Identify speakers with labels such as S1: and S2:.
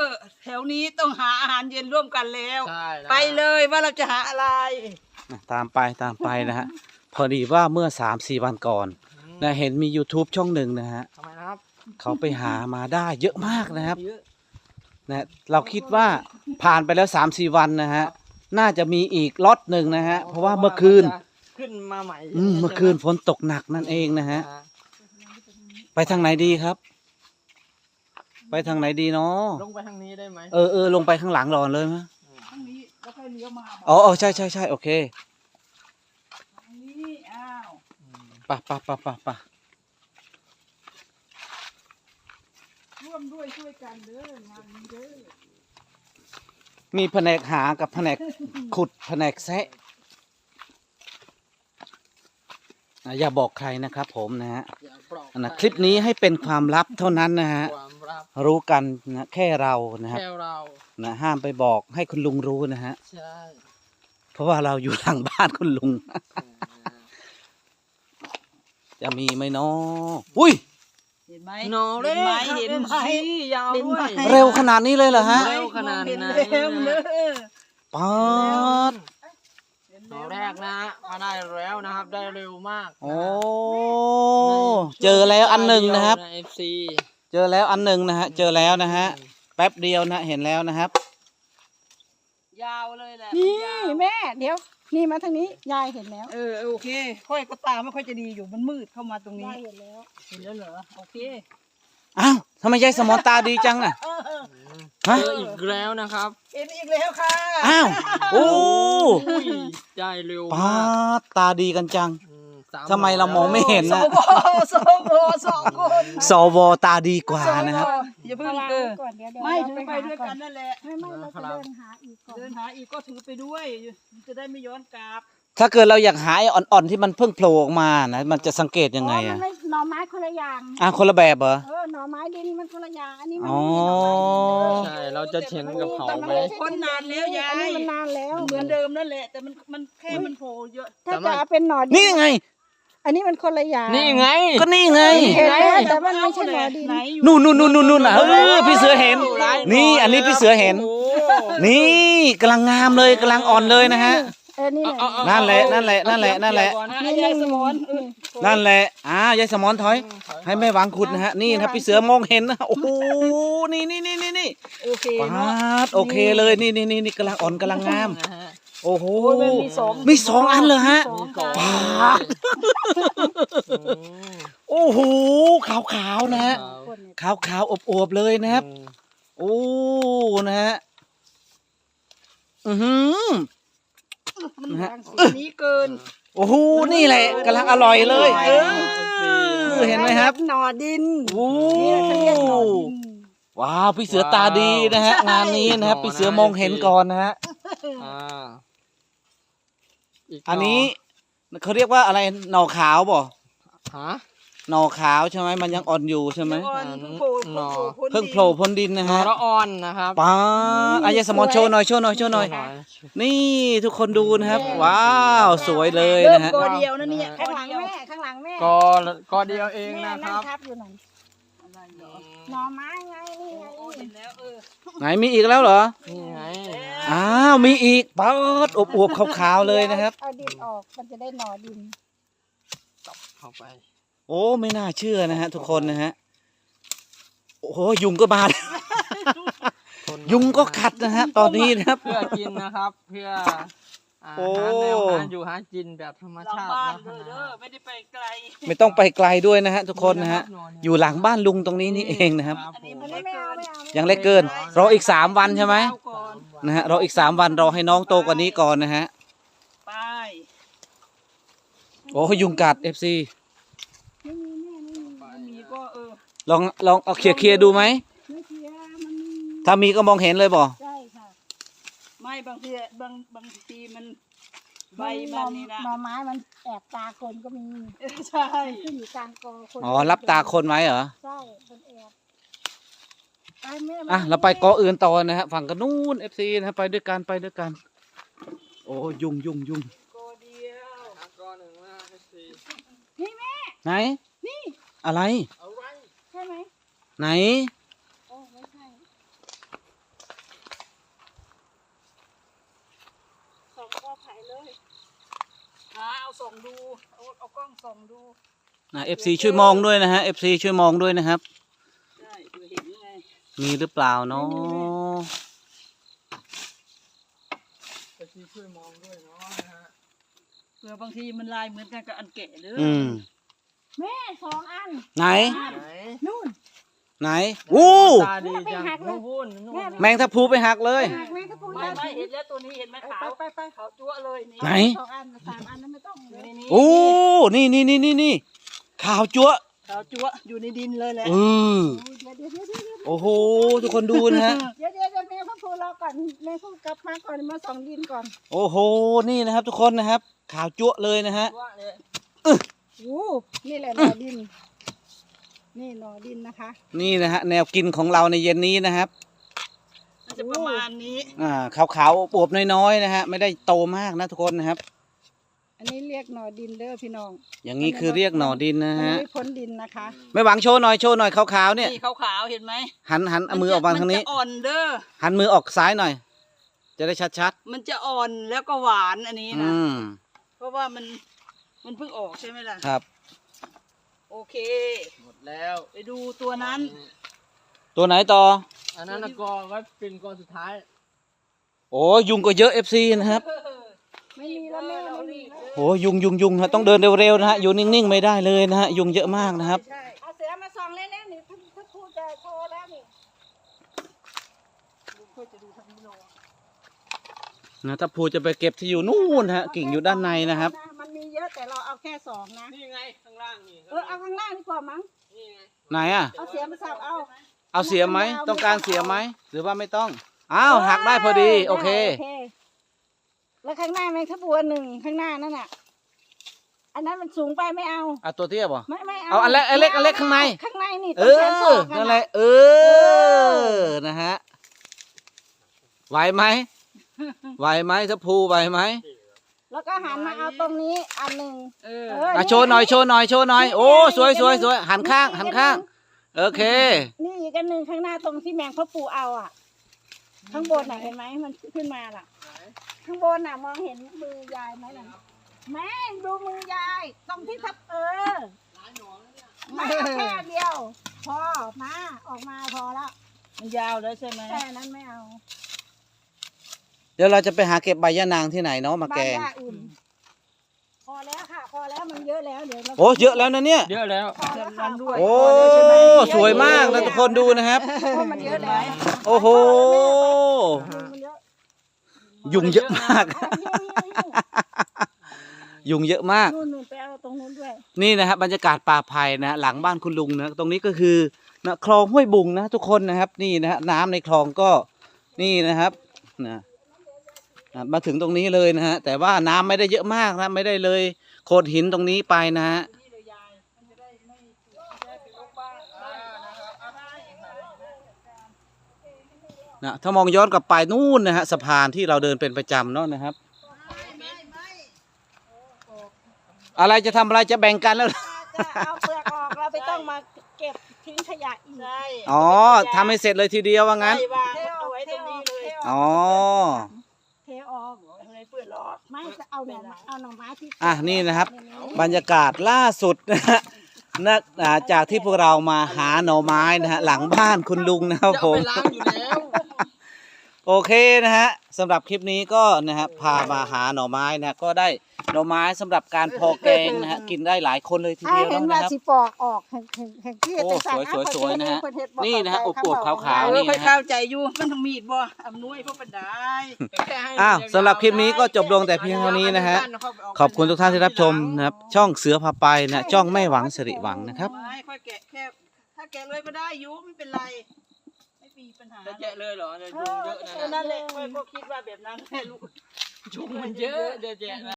S1: แถวนี้ต้องหาอาหารเย็นร่วมกันแล้ว
S2: ใช่
S1: ไปเลยว่าเราจะหาอะไร
S3: ตามไปนะฮะพอดีว่าเมื่อ 3-4 วันก่อนนะเห็นมี YouTube ช่องหนึ่งนะฮะ
S2: ทำไมนะครับ
S3: เขาไปหามาได้เยอะมากนะครับ
S2: เยอะ
S3: นะเราคิดว่าผ่านไปแล้ว 3-4 วันนะฮะน่าจะมีอีกล็อตหนึ่งนะฮะเพราะว่าเมื่อคืน
S2: ขึ้นมาใหม่
S3: เมื่อคืนฝนตกหนักนั่นเองนะฮะไปทางไหนดีครับ ไปทางไหนดีเนาะ
S2: ลงไปทางนี้ได้ไหม
S3: ลงไปข้างหลังรอนเลยมั้ย
S1: ทางนี้แล้วค่อยเลี้ยวมา
S3: อ๋อใช่โอเค
S1: ทางนี้อ้าว
S3: ไป
S1: ร่วมด้วยช่วยกันเด้องานนี้เด้อ
S3: มีแผนกหากับแผนกขุดแผนกแซะอย่าบอกใครนะครับผมนะฮะ
S2: อย่าบอก
S3: นะคลิปนี้ให้เป็นความลับเท่านั้นนะฮะ
S2: ความลับ
S3: รู้กันนะแค่เรานะครับ
S2: แค่เรา
S3: นะห้ามไปบอกให้คุณลุงรู้นะฮะ
S2: ใช่
S3: เพราะว่าเราอยู่หลังบ้านคุณลุง จะมีไหมเนาะอุ้ย
S1: เห็นไหม
S2: หนอเล็ก
S1: เห็นไหม
S2: ยาวด้วย
S3: เร็วขนาดนี้เลยเหรอฮะ
S2: เร็วขนาดไหน
S1: เห็นแล้วเด้อ
S3: ป๊าด
S1: เห็น
S2: หนอ
S1: แล้ว
S2: แรกนะมาได้แล้วนะครับ ได้เร็วมาก
S3: โอ้เจอแล้วอันหนึ่งนะครับ
S2: ใน FC
S3: เจอแล้วอันหนึ่งนะฮะเจอแล้วนะฮะแป๊บเดียวนะเห็นแล้วนะครับ
S1: ยาวเลยแหละ
S4: นี่
S1: ยาว
S4: แม่เดี๋ยวนี่มาทางนี้ยายเห็นแล้ว
S1: โอเคค่อยก็ตามไม่ค่อยจะดีอยู่มันมืดเข้ามาตรงนี้
S4: ยายเห็นแล้ว
S1: เห็นแล้วเหรอโอเค
S3: อ้าวทำไมยายสมอนตาดีจังอ่ะฮะ
S2: เจออีกแล้วนะครับ
S1: เห็นอีกแล้วค่ะ
S3: อ้าวโอ้
S2: อุ้ยได้เร็ว
S3: ป๊าม
S2: าก
S3: ดตาดีกันจัง
S2: ส
S3: ทำไมเรามองไม่เห็น
S1: ส
S3: นะ
S1: วสวสองคน
S3: สวตาดีกว่านะครับ
S1: อย่าเพิ่ง
S4: วาง
S1: เอ
S4: ไว้
S1: อ
S4: ก่อนเดี๋ยว
S1: ไม่
S4: เรา
S1: ถือไปด้วยกันนั่นแหละ
S4: ไม่เราจะเดินหาอีกก่อน
S1: เดินหาอีกก็ถือไปด้วยมันจะได้ไม่ย้อนกลับ
S3: ถ้าเกิดเราอยากหาไอ้อ่อนๆที่มันเพิ่งโผล่ออกมานะมันจะสังเกตยังไง
S4: มั
S3: อ่ะ
S4: นไม่หน่อไม้คนละอย่าง
S3: คนละแบบเหรอ
S4: หน่อไม้ดินมันคนละอย่างอันนี้มัน
S3: อ๋อ
S4: ไม่ใช่หน่อไม้ดินเลย
S2: ใช่เราจะเฉียนกับเขาไหม
S1: คนนานแล้วยา
S4: อันนี้
S1: ย
S4: มันนานแล้ว
S1: เหมือนเดิมนั่นแหละแต่มันแค่มันโผล่เยอะ
S4: ถ้าจะเอาเป็นหน่อดิ
S3: นี่ไง
S4: อันนี้มันคนละอย่าง
S2: นี่ไง
S3: ก็นี่ไง
S4: เห็นแล้วแต่มันไม่ใช่หน่อดิน
S1: ไหนอยู่
S3: นู่นอ่ะพี่เสือเห็น นี่อันนี้พี่เสือเห็น
S2: โอ้
S3: นี่กำลังงามเลยกำลังอ่อนเลยนะฮะ
S4: นี่แหละ
S3: นั่นแหละนั่นแหละ
S1: นี่ยายสมอน
S3: นั่นแหละยายสมอนถอย ให้แม่หวังขุดนะฮะ นี่นะครับพี่เสือมองเห็นนะ โอ้โห นี่
S1: โอเค
S3: ปา
S1: เนาะ
S3: ดโอเคเลย นี่กำลังอ่อนกำลังงาม
S2: นะฮะ
S3: โอ้โห
S1: โอ้ยมันมีสอง
S3: มีสองอันเลยฮะ
S1: สอง
S2: ก่อน
S1: ค่ะ
S3: โอ้โห ขาวๆนะฮะ ขาวๆอบๆเลยนะครับ โอ้ นะฮะ อือหือ
S1: มันบางสีนี้เกิน
S3: โอ้โห นี่แหละกำลังอร่อยเลยเห็นไหมครับ
S4: หน่อดิน
S3: โอ้
S4: นี่เขาเรียกหน่อดิน
S3: ว้าวพี่เสือตาดีนะฮะงานนี้นะครับพี่เสือมองเห็นก่อนนะฮะ
S2: อ่าอีก
S3: อันนี้เขาเรียกว่าอะไรหน่อขาวบ่
S2: ฮะ
S3: หน่อขาวใช่ไหมมันยังอ่อนอยู่ใช่ไหม
S1: เพิ่งโผล่
S3: เพิ่งโผล่พ้นดินนะ
S2: หนอ
S3: ฮะ
S2: ละอ่อนนะครับ
S3: ป้าอายสมอนโชว์หน่อยโชว์หน่อยนี่ทุกคนดูนะครับ ว้าวสวยเลย
S1: เริ่ม
S3: นะฮะ
S1: กอเดียวนะเนี่ย
S4: ข้างหลังแม่ข้างหลังแม่
S2: ก็เดียวเอง
S4: แม่
S2: นะค
S4: นั่
S2: รั
S4: ง
S2: บ
S4: ทับอยู่นั่นหน่อไม้ไงนี่ไง
S1: เห็นแล้ว
S3: ไหนมีอีกแล้วเหรอ
S2: นี่ไง
S3: อ้าวมีอีกป๊าดอวบๆขาวๆเลยนะครับ
S4: เอาดินออกมันจะได้หน่อดิน
S2: เข้าไป
S3: โอ้ไม่น่าเชื่อนะฮะทุกคนนะฮะโอ้โหยุงก็บาด ยุงก็กัดนะฮะตอนนี้นะครับ
S2: เพื่อกินนะครับ เพื่อ
S3: โอ้
S2: หาแนวหาอยู่หากินแบบธรรม
S1: หลัง
S2: ชาติ
S1: บ้าน
S2: นะ
S1: เด้อไม่ได้ไปไกล
S3: ไม่ต้องไปไกลด้วยนะฮะทุกคนนะฮะอยู่หลังบ้านลุงตรงนี้นี่เองนะครับ
S1: อันนี้
S4: อั
S1: มัน น
S4: นี้
S1: เล็ก
S4: ไม่เอา
S1: เกิน
S4: ไม่เอา
S3: ยังเล็กเกินรออีก3 วันใช่ไหม
S1: เอาก่อน
S3: นะฮะรออีก3 วันรอให้น้องโตกว่านี้ก่อนนะฮะ
S1: ไป
S3: โอ้ยุงกัด FC
S4: ไม่มีแม่ไม่มี
S1: มันมีก็
S3: ลองเอาเคลียร์ดูไหม
S4: ไม่เทียมันมี
S3: ถ้ามีก็มองเห็นเลยบ่
S4: ใช่ค่ะ
S1: ไม่บางทีมันใบมันนี่นะ
S4: หน่อไม้มันแอบตาคนก็มี
S1: ใช่
S4: ขึ้นอยู่กลางกอคน
S3: อ๋อรับตาคนไว้เหรอ
S4: ใช่คนแอบไปแม่ม
S3: เราไปกออื่นต่อนะฮะฝั่งกันนู้น FC นะฮะไปด้วยกันโอ้ยุง
S1: ก็เดียว
S2: ก้อนหนึ่งนะสี่
S4: นี่แม่
S3: ไหนอะไร
S2: เอาไว้
S4: ใช่ไหม
S3: ไหน
S4: โอ้ไม่ใช่
S1: เลยเอาส่องดูเอากล้องส่องดู
S3: FC ช่วยมองด้วยนะฮะ FC ช่วยมองด้วยนะครับ
S1: ใช่เผื่อเห็นไง
S3: มีหรือเปล่าเนาะ
S2: จะช่วยมองด้วยเนาะนะฮะ
S1: เผื่อบางทีมันลายเหมือนกันกับอันแกะเด้อ
S3: อืม
S4: แม่2 อัน
S3: ไหน
S2: ไหน
S4: นู่น
S3: ไหนวู้
S2: ตาดีจังนู่นวุ่นนู่น
S3: แมงทับพลูไปหักเลย
S4: หักแม่ก็พูด
S1: ไม่
S4: ได้
S1: เห็นแล้วตัวนี้เห็นไหมขาว
S4: ไป
S1: ขาวจั๊วะเลยนี่
S3: ไหน
S4: 2 อัน3 อันนั้นไม่ต้องเลย
S1: นี่
S3: โอ้นี่ข่าวจั๊วะ
S1: ขาวจั๊วะอยู่ในดินเลยแหละ
S3: เออ
S4: เดี๋ยว
S3: โอ้โหทุกคนดูนะฮะ
S4: แม่พ่อพูรอก่อนแม่พูดกลับมาก่อนมาส่องดินก่อน
S3: โอ้โหนี่นะครับ ทุกคนนะครับข่าวจั๊วะเลยนะฮะ
S1: จั๊วะเลย
S4: โอ้นี่แหละหนอดิน นี่หนอดินนะคะ
S3: นี่นะฮะแนวกินของเราในเย็นนี้นะครับ
S1: มันจะประมาณนี้
S3: ขาวๆอวบๆน้อยๆนะฮะไม่ได้โตมากนะทุกคนนะครับ
S4: อันนี้เรียกหนอดินเด้อพี่น้อง
S3: อย่างนี้คือเรียกหน่อดินนะ
S4: อัน
S3: ฮะ
S4: นี้พ้นดินนะคะ
S3: ไม่หวังโชว์หน่อยขาวๆเนี่ย
S1: นี่ขาวๆเห็นไหม
S3: หันเอามือออกมาทางนี้
S1: มันจะอ่อนเด้อ
S3: หันมือออกซ้ายหน่อย จะได้ชัด
S1: มันจะอ่อนแล้วก็หวานอันนี้
S3: ๆ
S1: นะ เพราะว่ามันเพิ่งออกใช่ไหมล่ะ
S3: ครับ
S1: โอเค
S2: หมดแล้ว
S1: ไปดูตัวนั้น
S3: ตัวไหนต่อ
S2: อันนั้นนะกอไว้เป็นกอสุดท้าย
S3: โอ้ยุงก็เยอะ FC นะครับ
S4: ไม่มีแล้วแม่ไม่มีแล้ว
S3: โอ้ยุงฮะต้องเดินเร็วๆนะฮะอยู่นิ่งๆไม่ได้เลยนะฮะยุงเยอะมากนะครับ
S1: ใช่
S4: เอาเสือมาส่องเล่นๆนี่ถ้าพูดจะโชว์แล้วนี่
S1: ลุงค่อยจะดูทางนี้โล
S3: นะถ้าภูจะไปเก็บที่อยู่นู่นฮะกิ่งอยู่ด้านในนะครับ
S4: มันมีเยอะแต่เราเอาแค่2นะ
S2: นี่ไงข้างล่างนี่
S4: เอาข้างล่างดีกว่ามั้ง
S2: นี่ไง
S3: ไหนอ่ะ
S4: เอาเสือมาสับเอา
S3: เอาเสียไหมต้องการเสียไหมหรือว่าไม่ต้องอ้าวหักได้พอดีโอเค
S4: แล้วข้างหน้าแมงทับบัว1ข้างหน้านั่นน่ะ อันนั้นมันสูงไปไม่เอา
S3: เอาตัวเทียบบ่
S4: ไม่เอา
S3: เอาอันเล็กอันเล็กอันเล็กข้างใน
S4: ข้างในนี่
S3: เอ
S4: ต้องแขนศ
S3: อ
S4: อกกั
S3: นั่นแหละเออนะฮะไหวไหมถ้าภูไหวไหม
S4: แล้วก็หันมาเอาตรงนี้อันหนึ่ง
S1: เออ
S3: อ่ะโชว์หน่อยโอ้สวยหันข้างโอเค
S4: นี่อีกอันหนึ่งข้างหน้าตรงที่แมงพ่อปูเอาอ่ะ ข้างบนน่ะเห็นไหมมันขึ้นมาล่ะ ข้างบนน่ะมองเห็นมือยายไหมน่ะแม่ดูมือยายตรงที่ทับไม่เอาแค่เดียว พอมาออกมาพอแล้ว
S1: มันยาวแล้วใช่ไหม
S4: แค่นั้นไม่เอา
S3: เดี๋ยวเราจะไปหาเก็บใบยะนางที่ไหนเนาะมาแก
S4: บ้าน
S3: ง
S4: ย่าอุ่น พอแล้วค่ะ พอแล้วมันเยอะแล้วเดี๋ยวเรา
S3: โอ้เยอะแล้วนะเนี่ย
S2: เยอะแล้ว
S4: พอแล้วค่ะ
S3: โอ้สวยมากนะทุกคนดูนะครับ
S4: เพราะมันเยอะแล้ว
S3: โอ้โห
S4: มันเยอะ
S3: ยุงเยอะมาก ยุงเยอะมาก
S4: นู่นไปเอาตรงนู้นด้วย
S3: นี่นะครับบรรยากาศป่าไผ่นะหลังบ้านคุณลุงนะตรงนี้ก็คือนะคลองห้วยบุงนะทุกคนนะครับ นี่นะฮะน้ำในคลองก็นี่นะครับนะมาถึงตรงนี้เลยนะฮะแต่ว่าน้ำไม่ได้เยอะมากนะไม่ได้เลยโขดหินตรงนี้ไปนะฮะนะถ้ามองย้อนกลับไปนู่นนะฮะสะพานที่เราเดินเป็นประจำเนาะนะครับ อะไรจะทำอะไรจะแบ่งกันแล้ว
S4: จะเอาเปลือกออกเราไปต้องมาเก็บทิ้งขยะอีก
S1: ใช่
S3: อ๋อทำให้เสร็จเลยทีเดียวว่างั้น
S1: ใช่วางเอาไว้ตรงนี้เลย
S3: อ๋อ
S4: เทออก
S1: ทำไมเปื้อนหรอ
S4: ไม่จะเอาหน่อไม้ที่
S3: อ่ะนี่นะครับ บรรยากาศล่าสุดนะฮะจากที่พวกเรามาหาหน่อไม้นะฮะหลังบ้านคุณลุงนะครับ
S2: จะ
S3: ผ
S2: เอา
S3: ม
S2: ไปล้างอยู่แล้ว
S3: โอเคนะฮะสำหรับคลิปนี้ก็นะฮะพามาหาหน่อไม้นะก็ได้หน่อไม้สำหรับการพอแกงนะฮะกินได้หลายคนเลยที
S4: ถ้า
S3: เดียว
S4: เห็น
S3: นะครับ
S4: ว่าสิปอกออกแห่งที่
S3: โอ้
S4: แต่สั่ง
S3: สวยๆนะฮะนี่นะฮะอวบๆขาวๆ
S1: เอ
S3: นี่
S1: อค่อยเข้าใจอยู่มันต้องมีดบ่อำนวยพวกปันได้
S3: อ้าวสำหรับคลิปนี้ก็จบลงแต่เพียงเท่านี้นะฮะขอบคุณทุกท่านที่รับชมนะครับช่องเสือพาไปนะช่องไม่หวังสิริหวังนะครับ
S1: ไม่ค่อยแกะแค่ถ้าแกะเลยก็ได้อยู่ไม่เป็นไรไม่มีปัญหา
S2: จะแกะเลยเหรอเดี๋ยวยุงเยอะนะ
S1: นั่นแหละค่อยก็คิดว่าแบบนั้นแหละลูก
S2: ยุงมันเยอะเดี๋ยวแกะนะ